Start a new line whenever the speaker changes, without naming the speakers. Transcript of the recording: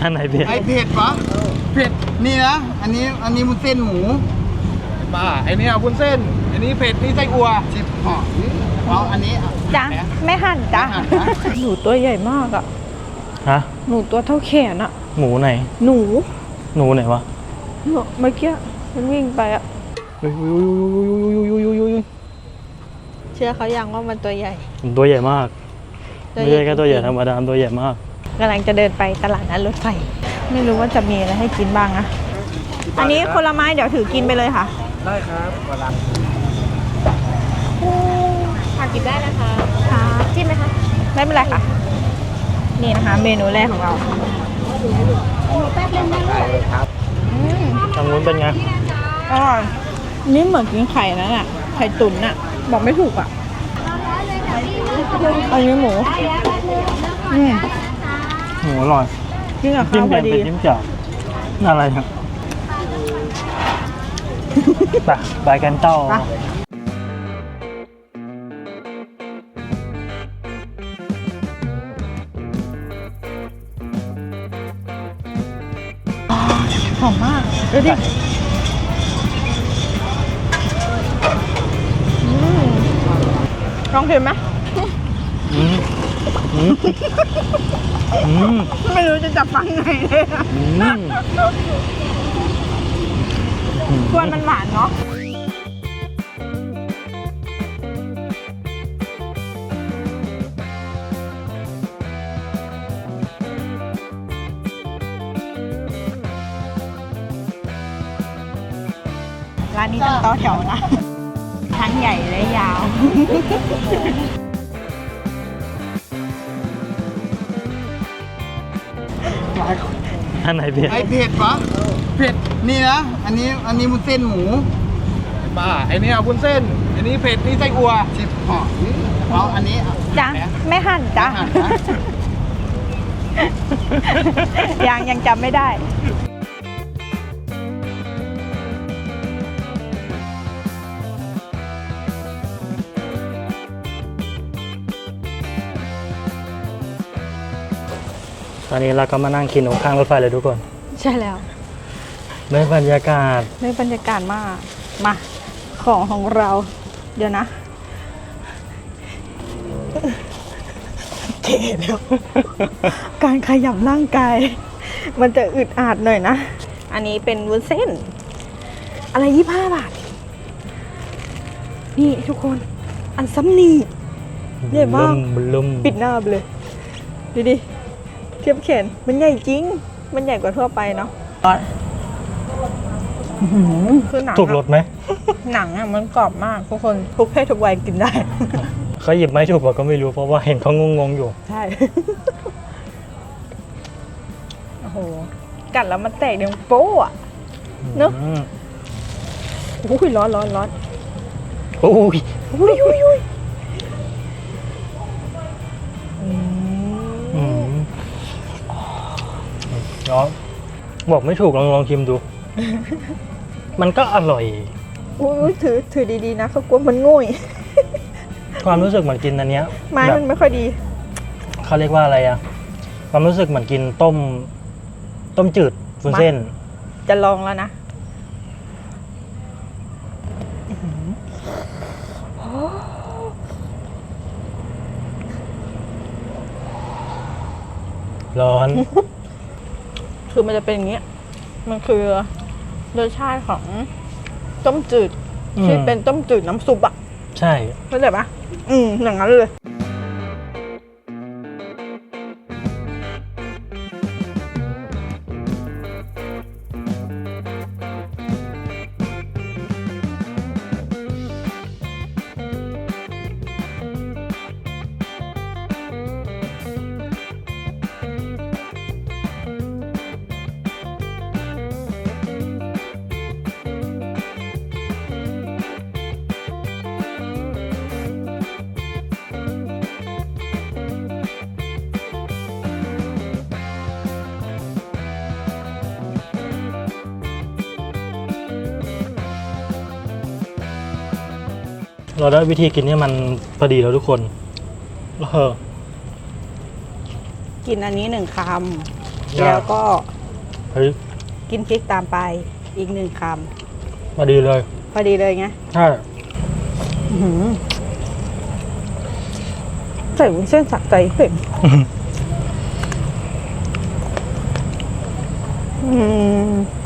อันไหนเผ็ด
ไอเผ็ดปะเผ็ดนี่นะอันนี้มันเส้นหมูบ้าไอนี่เอาวุ้นเส้นอันนี้เผ็ดนี่ไส้อัวชิบห่อเอาอันนี้
จ้ะไม่หั่นจ้ะหนูตัวใหญ่มากอ่ะ
ฮะ
หนูตัวเท่าแขนอ่ะ
หมูไหน
หนู
ไหนวะ
เมื่อกี้มันวิ่งไปอ่ะเชื่อเขายังว่ามันตัวใหญ่
ตัวใหญ่มากไม่ใช่แค่ตัวใหญ่ธรรมดาตัวใหญ่มาก
กำลังจะเดินไปตลาดนัดรถไฟไม่รู้ว่าจะมีอะไรให้กินบ้างนะอันนี้ผลไม้เดี๋ยวถือกินไปเลยค่ะ
ได้ครับกำลัง
ค่ะกินได้นะคะค่ะจิ้มไหมคะไม่เป็นไรค่ะนี่นะคะเมนูแรกของเราแป๊บนึงนะครับ
ทางนู้นเป็นไง
อร่อยนี่เหมือนกินไข่นั่นแหละไข่ตุ๋นน่ะบอกไม่ถูกอ่ะอันนี้หมู
หมูอร่อย
กินกับข้าวพอดี
จิ้มจ่าอะไรครับไปกันเต้า
หอมมากดูดิลองชิมไหมไม่รู้จะจับฟังไงเลยกวนมันหวานเนาะร้านนี้ต้องต่อแถวนะทั้งใหญ่และยาว
อันไหนเผ็ด
ไอเผ็ดปะเผ็ดนี่นะอันนี้มันเส้นหมูบ้าไอนี่เอาวุ้นเส้นอันนี้เผ็ดนี่ไส้อัวชิบห่อเอาอันนี้
จ้ะไม่หั่นจ้ะยังจำไม่ได้
ตอนนี้เราก็มานั่งกินข้างรถไฟเลยทุกคน
ใช่แล้ว
ได้บรรยากาศ
มากมาของเราเดี๋ยวนะเก๋แล้วการขยับร่างกายมันจะอึดอัดหน่อยนะอันนี้เป็นวุ้นเส้นอะไร25 บาทนี่ทุกคนอันซ้ำนี่ใหญ่มากปิดหน้าไปเลยดิเทียบแขนมันใหญ่จริงมันใหญ่กว่าทั่วไปเนาะคือหนัง
ถูกรสไหม
หนังอ่ะมันกรอบมากทุกคนทุกเพศทุกวัยกินได้
เขาหยิบไม่ถูกก็ไม่รู้เพราะว่าเห็นเขางงอยู่
ใช่โอ้โหกัดแล้วมันแตกดังโป๊ะอ่ะเนอะโอ้ยร้อน
โอ้ยบอกไม่ถูกลองชิมดูมันก็อร่อย
อุ้ยถือดีๆนะเขากลัวมันง่ย
ความรู้สึกเหมือนกินอันเนี้ย
ไม้มันไม่ค่อยดี
เขาเรียกว่าอะไรอะความรู้สึกเหมือนกินต้มจืดวุ้นเส้น
จะลองแล้วนะ
ร้อน
คือมันจะเป็นอย่างเงี้ยมันคือรสชาติของต้มจืดที่เป็นต้มจืดน้ำซุปอ่ะ
ใช่
เข้าใจปะอย่างนั้นเลย
เราได้วิธีกินให้มันพอดีแล้วทุกคน
กินอันนี้1 คำแล้วก็
เฮ้ย
กินพริกตามไปอีก1 ค
พอดีเลย
ำพอดีเลยไง
ใช่
อื้อหือใส่วุ้นเส้นสะใจเผ็ดอืม